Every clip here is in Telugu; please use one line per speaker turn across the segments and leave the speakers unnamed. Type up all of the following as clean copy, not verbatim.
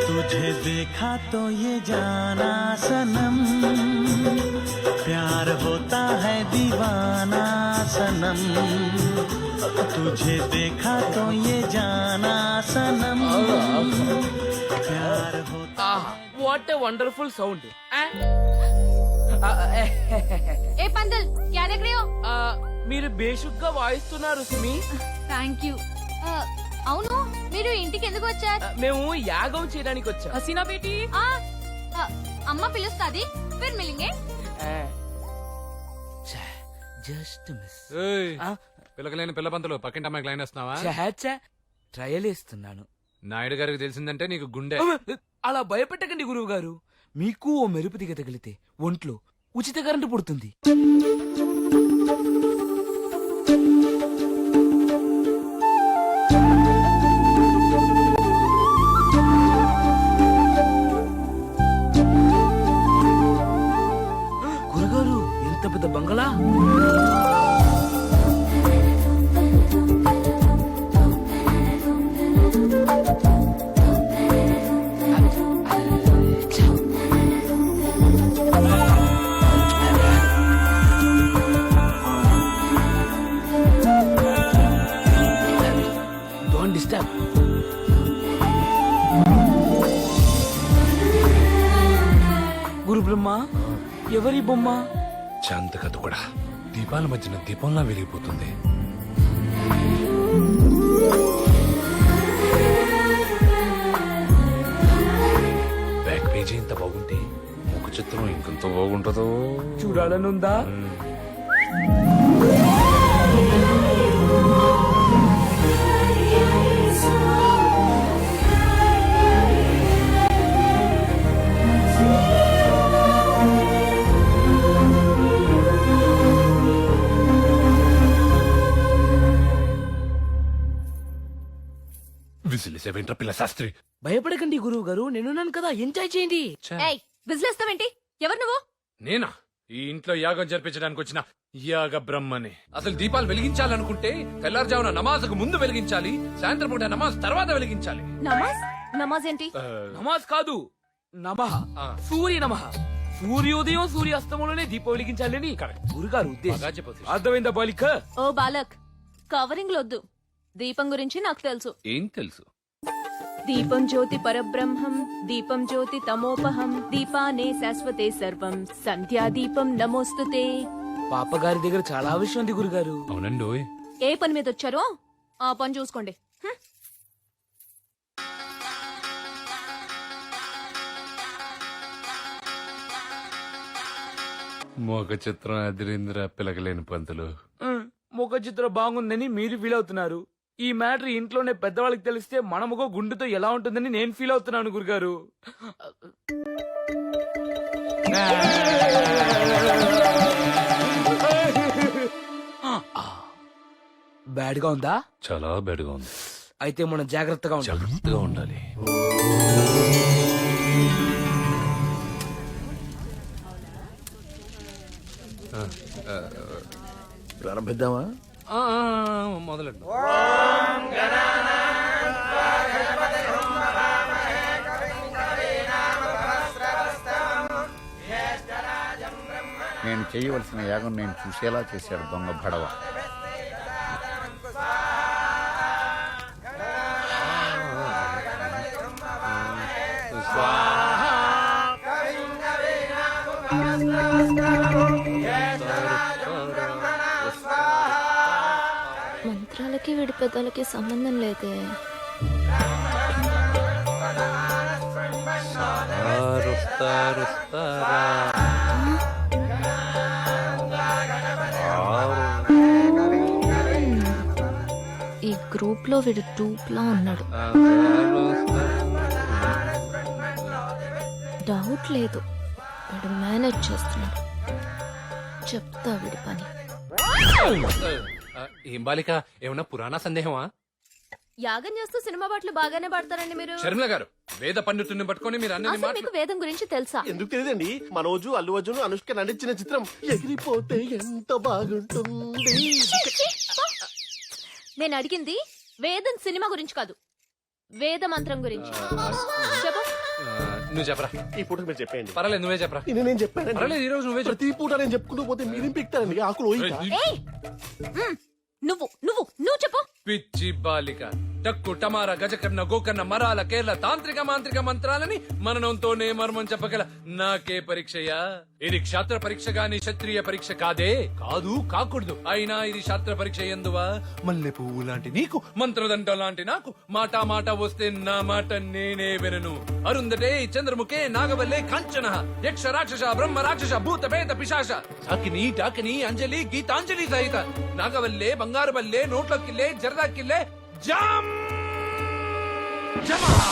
तुझे देखा तो ये जाना सनम प्यार होता है दीवाना सनम तुझे देखा तो ये जाना सनम प्यार होता
వాట్ ఏ వండర్ఫుల్ సౌండ్.
ఏ పందల్ క్యా దేఖ్ రహే హో?
మీరు బేషుగ్గా వాయిస్తున్నారు సుమి.
Thank you. అవును, మీరు ఇంటికి ఎందుకు వచ్చారు?
మేము యాగం చేయడానికి వచ్చాం. హసీనా బేటీ.
అమ్మ పిలుస్తాది, ఫిర్ మిలింగే.
Just miss.
పిల్లకలేని పిల్ల పంతులు పక్కింటి అమ్మాయికి లైన్ వేస్తున్నావా?
ట్రయల్ వేస్తున్నాను.
నాయుడు గారికి తెలిసిందంటే నీకు గుండె.
అలా భయపెట్టకండి గురువు గారు. మీకు ఓ మెరుపు దిగ తగిలితే ఒంట్లో ఉచిత కరెంటు పుడుతుంది. గురుగారు, ఎంత పెద్ద బంగళా! గురు బ్రహ్మ, ఎవరి బొమ్మ?
శాంత కథ కూడా దీపాల మధ్యన దీపంలా వెలిగిపోతుంది. బ్యాక్ పేజీ ఇంత బాగుంటే ముఖ చిత్రం ఇంకెంత బాగుంటుందో
చూడాలనుందా?
విసిలేసేవేంట్రా పిల్ల శాస్త్రి?
భయపడకండి గురువు గారు, నేనున్నాను కదా, ఎంజాయ్ చేయండి.
ఏయ్, విజిలేస్తావేంటి? ఎవరు నువ్వు?
నేనా ఈ ఇంట్లో యాగం జరిపించడానికి వచ్చిన యాగ బ్రహ్మని. అసలు దీపాలు వెలిగించాలనుకుంటే తెల్లారుజామున నమాజ్కు ముందు వెలిగించాలి, సాయంత్రం పూట నమాజ్ తర్వాత వెలిగించాలి.
నమాజ్? నమాజ్ ఏంటి?
నమాజ్ కాదు, నమః. సూర్య నమః. సూర్యోదయం సూర్యాస్తమంలోనే దీపం వెలిగించాలని గురుగారు ఉద్దేశం. అర్థమైందా బాలిక?
ఓ బాలక్, కవరింగ్ లొద్దు. దీపం గురించి నాకు తెలుసు.
ఏం తెలుసు?
దీపం జ్యోతి పరబ్రహ్మం, దీపం జ్యోతి తమోపహం, దీపానే శాశ్వతే సర్వం, సంధ్యా దీపం నమోస్తుతే.
పాపగారి దగ్గర చాలా విషయం ఉంది గురుగారు.
అవునండి.
ఏ పని మీద వచ్చారో ఆ పని చూసుకోండి.
మోక చిత్రం అదిరింద్ర పిలకలేని పంతులు.
ముఖ చిత్రం బాగుందని మీరు ఫీల్ అవుతున్నారు. ఈ మ్యాటర్ ఇంట్లోనే పెద్దవాళ్ళకి తెలిస్తే మన ముఖం గుండెతో ఎలా ఉంటుందని నేను ఫీల్ అవుతున్నాను గురుగారు. బ్యాడ్ గా ఉందా?
చాలా బ్యాడ్ గా ఉంది.
అయితే మనం జాగ్రత్తగా
ఉండాలి.
ప్రారంభిద్దామా?
మొదలండి.
నేను చేయవలసిన యాగం నేను చూసేలా చేశాడు దొంగ భడవ.
మంత్రాలకి వీడి పెద్దలకి సంబంధం లేదే. ఈ గ్రూప్ లో వీడు టూప్లా ఉన్నాడు. డౌట్ లేదు, వీడు మేనేజ్ చేస్తున్నాడు. చెప్తా వీడి పని.
ఏం బాలిక, ఏమన్నా పురాణ సందేహమా?
యాగం చేస్తూ సినిమా పాటలు బాగానే పాడతారండి మీరు.
శర్మిల గారు, వేద పండితుడిని పట్టుకొని మీరు అన్ని
అసలు మీకు వేదం గురించి తెలుసా?
ఎందుకు తెలియదండి. మనోజు అల్లు అర్జున్ అనుష్క నటించిన చిత్రం ఎగిరిపోతే ఎంత బాగుంటుంది.
నేను అడిగింది వేదం సినిమా గురించి కాదు, వేద మంత్రం గురించి. చెప్పు.
నువ్వు చెప్పరా.
ఈ పూట మీరు చెప్పేయండి.
పర్లేదు నువ్వే చెప్పరా.
నేను చెప్పాను.
పర్లేదు ఈ రోజు నువ్వే చెప్పు.
ప్రతి పూట నేను చెప్పుకుంటూ పోతే మీరేం పిక్తారండి ఆకులు ఓయిక.
ఏయ్! నువ్వు చెప్పు.
పిచ్చి బాలిక టక్కు టమార గజకర్ణ గోకర్ణ మరాల కేరళ తాంత్రిక మాంత్రిక మంత్రాలని మననంతోనే మర్మం చెప్పగల నాకే పరీక్షయా? ఇది క్షాత్ర పరీక్ష గాని క్షత్రియ పరీక్ష కాదే. కాదు కాకూడదు. అయినా ఇది శాస్త్ర పరీక్ష ఎందువా? మల్లె పువ్వు లాంటి నీకు మంత్రదండ లాంటి నాకు మాట మాట వస్తే నా మాట నేనే వినను. అరుందటే చంద్రముఖే నాగవల్లే కాంచన యక్ష రాక్షస బ్రహ్మ రాక్షస భూత పేత పిశాచ అకిని టాకిని అంజలి గీతాంజలి సహిత నాగవల్లే బంగారు బల్లే నోట్ల కిల్లే జరదా కిల్లే జామ్ జమః.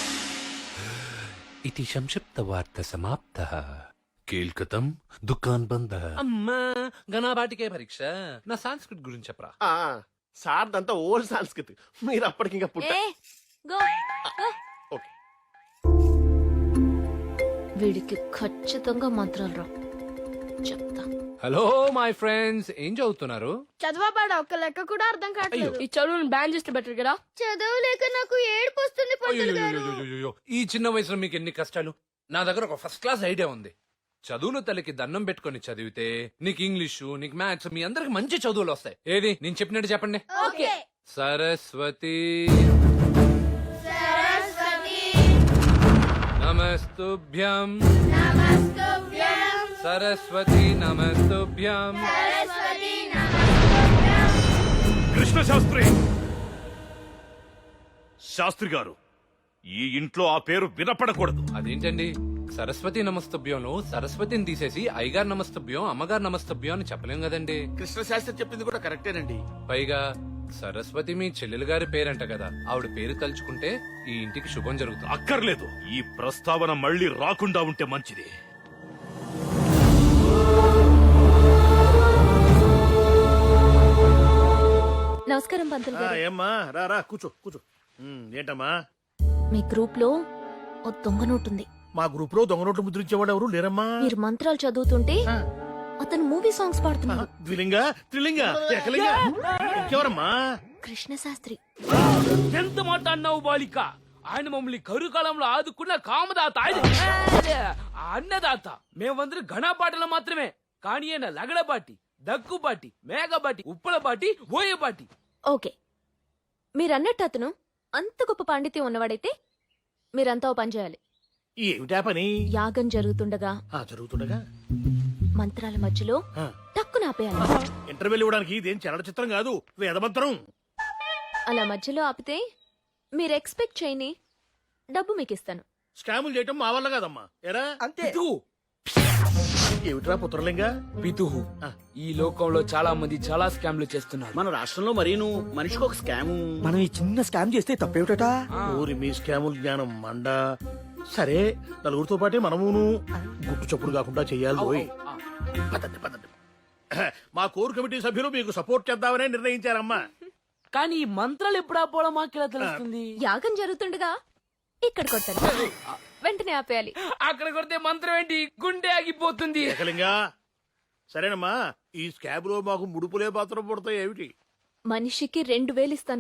ఇతి సంక్షిప్త వార్త సమాప్తః. కేల్కతం దుకాన్ బంద. అమ్మా గణాబాటికే పరీక్ష. నా సంస్కృత్ గురించి చెప్పరా.
సార్ అంతా ఓల్డ్ సంస్కృతి, మీరు అప్పటికి ఇంకా పుట్ట.
ఏ గో
ఓకే.
వీడికి ఖచ్చితంగా మంత్రాలు రా చెప్తా.
హలో మై ఫ్రెండ్స్, ఏం చదువుతున్నారు?
చదవబాడ ఒక్క లెక్క కూడా అర్థం కావట్లేదు.
ఈ చదువుని బ్యాన్ చేస్తే బెటర్ కదా.
చదవలేక నాకు ఏడుపు వస్తుంది పంతులు గారు.
అయ్యయ్యయ్యయ్యయ్యో, ఈ చిన్న వయసులో మీకు ఎన్ని కష్టాలు. నా దగ్గర ఒక ఫస్ట్ క్లాస్ ఐడియా ఉంది. చదువులు తల్లికి దండం పెట్టుకొని చదివితే నీకు ఇంగ్లీషు నీకు మ్యాథ్స్ మీ అందరికి మంచి చదువులు వస్తాయి. ఏది నేను చెప్పినట్టు చెప్పండి.
ఓకే.
సరస్వతి నమస్తుభ్యం. సరస్వతి నమస్తుభ్యం.
కృష్ణ శాస్త్రి శాస్త్రి గారు, ఈ ఇంట్లో ఆ పేరు వినపడకూడదు.
అదేంటండి, సరస్వతి నమస్తభ్యంలో సరస్వతిని తీసేసి అయ్యగారు నమస్తభ్యం అమ్మగారు నమస్తభ్యం అని చెప్పలేం కదండి.
కృష్ణ శాస్త్రి చెప్పింది కూడా కరెక్టేనండి.
పైగా సరస్వతి మీ చెల్లెలు గారి పేరంట కదా, ఆవిడ పేరు తలుచుకుంటే ఈ ఇంటికి శుభం జరుగుతుంది.
అక్కర్లేదు, ఈ ప్రస్తావన మళ్ళీ రాకుండా ఉంటే మంచిది.
నమస్కారం పంతులు గారు.
ఏమ్మా రా కూర్చో కూర్చో. ఏంటమ్మా?
మీ గ్రూప్ లో ఓ దొంగ నోటు ఉంది.
మా గ్రూప్ లో దొంగ నోట్లు ముద్రించేవాడు ఎవరు లేరమ్మా.
మీరు మంత్రాలు చదువుతుంటే అతను మూవీ సాంగ్స్ పాడుతున్నాడు.
ద్విలింగ త్రిలింగ ఏకలింగ ఇంకెవరమ్మా?
కృష్ణ శాస్త్రి.
ఎంత మాట అన్నావు బాలిక. ఆయన మమ్మల్ని కరుకాలంలో ఆదుకున్న కామదాత, ఆయన అన్నదాత. మేమందరం ఘనపాటలు మాత్రమే. కానీ ఆయన లగడబాటి దగ్గుబాటి మేఘబాటి ఉప్పలబాటి ఓయబాటి.
ఓకే, మీరన్నట్టు అతను అంత గొప్ప పాండిత్యం ఉన్నవాడైతే మీరంతా ఓ పని చేయాలి.
ఏమిటా పని?
యాగం జరుగుతుండగా
జరుగుతుండగా
మంత్రాల మధ్యలో
ఆ.
టక్కున ఆపేయాలి.
ఇంటర్వ్యూలు ఇవ్వడానికి ఇదేం చలనచిత్రం కాదు, వేదమంత్రం.
అలా మధ్యలో ఆపితే మీరు ఎక్స్పెక్ట్ చేయని డబ్బు మీకు ఇస్తాను.
స్కాములు చేయటం మా వల్ల కాదమ్మా. ఎరా
పితుహు,
ఏమిట్రా పుత్రలింగ?
పితుహు. ఈ లోకంలో చాలా మంది చాలా స్కామ్లు చేస్తున్నారు.
మన రాష్ట్రంలో మరీను మనిషికి ఒక స్కామ్. మనం ఈ చిన్న స్కామ్ చేస్తే తప్పేమిటట?
ఊరి మీ స్కాముల జ్ఞానం మండ. సరే, నలుగురితో పాటే మనమును గుట్టు చప్పుడు కాకుండా చెయ్యాలి. ఓయ్. పదండి పదండి. మా కోర్ కమిటీ సభ్యులు మీకు సపోర్ట్ చేద్దామనే నిర్ణయించారమ్మా.
కానీ ఈ మంత్రాలు ఎప్పుడు ఆపోవడం మాకెలా తెలుస్తుంది?
యాగం జరుగుతుండగా ఇక్కడ కొట్టాలి, వెంటనే ఆపేయాలి.
అక్కడ కొడితే మంత్రం ఏంటి, గుండె ఆగిపోతుంది.
ఏకలింగా సరేనమ్మా, ఈ స్కాబ్ లో మాకు ముడుపులే పాత్ర పడతాయి ఏమిటి?
మనిషికి 2000 ఇస్తాను.